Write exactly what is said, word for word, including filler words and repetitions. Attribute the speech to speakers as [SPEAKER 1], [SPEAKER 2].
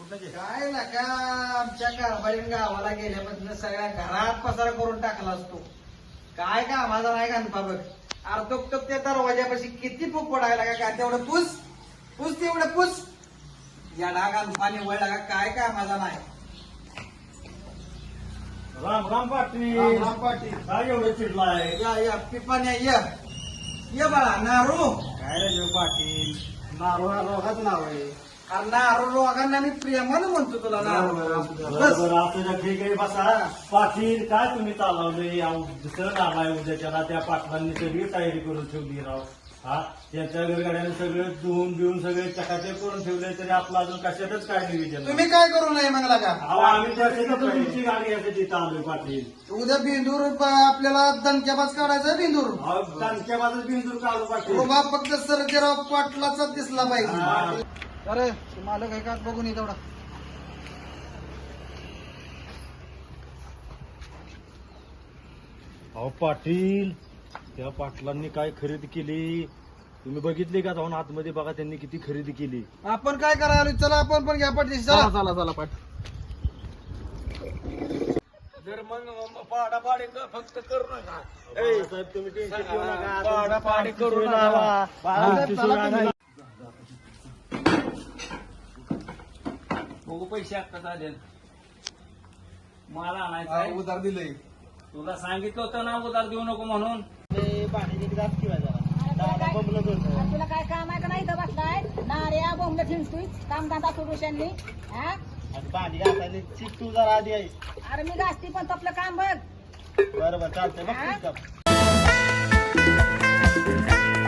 [SPEAKER 1] कुठलं घे
[SPEAKER 2] काय ना का आमच्या कारभारी गावाला गेल्यापासून सगळ्या घरात पसारा करून टाकला असतो. काय का माझा नाही का बघ अर्धोक त्या दरवाजापाशी किती फूक पडायला का काय तेवढं पुस पुस तेवढं पुस या डागान पाणी वळला का काय का माझा नाही.
[SPEAKER 1] राम राम पाटील
[SPEAKER 2] राम राम पाटील.
[SPEAKER 1] काय एवढं चिडलाय
[SPEAKER 2] या या पिपाण्या ये ये बाळा नारू.
[SPEAKER 1] काय रे देव पाटील नारू हा रोगाच नाव आहे.
[SPEAKER 2] अरे नारू रोगांना मी प्रेमानं म्हणतो तुला नारू.
[SPEAKER 1] बरं बरं असं जर ठीक आहे बसा. पाटील काय तुम्ही चालवलंय अहो, दुसरं नाव आहे उद्याच्याला त्या पाटलांनी सगळी तयारी करून ठेवली राव. हा त्यांच्या घरगाड्याने सगळं धुवून बिवून सगळे चकाचक करून ठेवले तरी आपलं अजून कशातच काय नियोजन नाही.
[SPEAKER 2] तुम्ही काय करू नये मग लागा.
[SPEAKER 1] अहो, आम्ही त्याच्यातच तुमची गाडी यासाठी तिथं आलोय पाटील.
[SPEAKER 2] उद्या बिंदूर प- आपल्याला दणक्याबाज काढायचा बिंदूर.
[SPEAKER 1] अहो, त्यांच्या बाजूला बिंदूर काढू पाटील.
[SPEAKER 2] रुबा फक्त सर्जेराव पाटलाचा दिसला
[SPEAKER 1] हा.
[SPEAKER 2] पाहिजे. अरे मालक आहे का बघून ये तेवढा.
[SPEAKER 1] अहो पाटील त्या पाटलांनी काय खरेदी केली तुम्ही बघितली का जाऊन आतमध्ये बघा त्यांनी किती खरेदी केली.
[SPEAKER 2] आपण काय करायला चला आपण पण घ्या पाटील चला.
[SPEAKER 1] चला चला पाट
[SPEAKER 2] जर मग पाडापाडी फक्त करू नका.
[SPEAKER 1] साहेब तुम्ही टेन्शन घेऊ नका.
[SPEAKER 2] पाडापाडी करू
[SPEAKER 1] शिवाय
[SPEAKER 2] नका.
[SPEAKER 1] नका.
[SPEAKER 2] बाळासाहेब,
[SPEAKER 1] शिवाय
[SPEAKER 2] चला तुम्ही.
[SPEAKER 1] नका.
[SPEAKER 3] बघू पैसे आत्ताच आले मला
[SPEAKER 2] हा,
[SPEAKER 3] आणायचं
[SPEAKER 2] उधार दिलंय.
[SPEAKER 3] तुला सांगितलं होतं ना उधार देऊ नको म्हणून.
[SPEAKER 4] तुला काय काम आहे का नाही इथं बसलाय नार्या बोंबलं ठिणतोय काम धंदा पुरुषांनी हा
[SPEAKER 1] पाणी घासायला चिक तू जरा आधी आहे.
[SPEAKER 4] अरे मी गाजती पण आपलं काम बघ
[SPEAKER 1] बरोबर चालतंय
[SPEAKER 4] हा?
[SPEAKER 1] बघ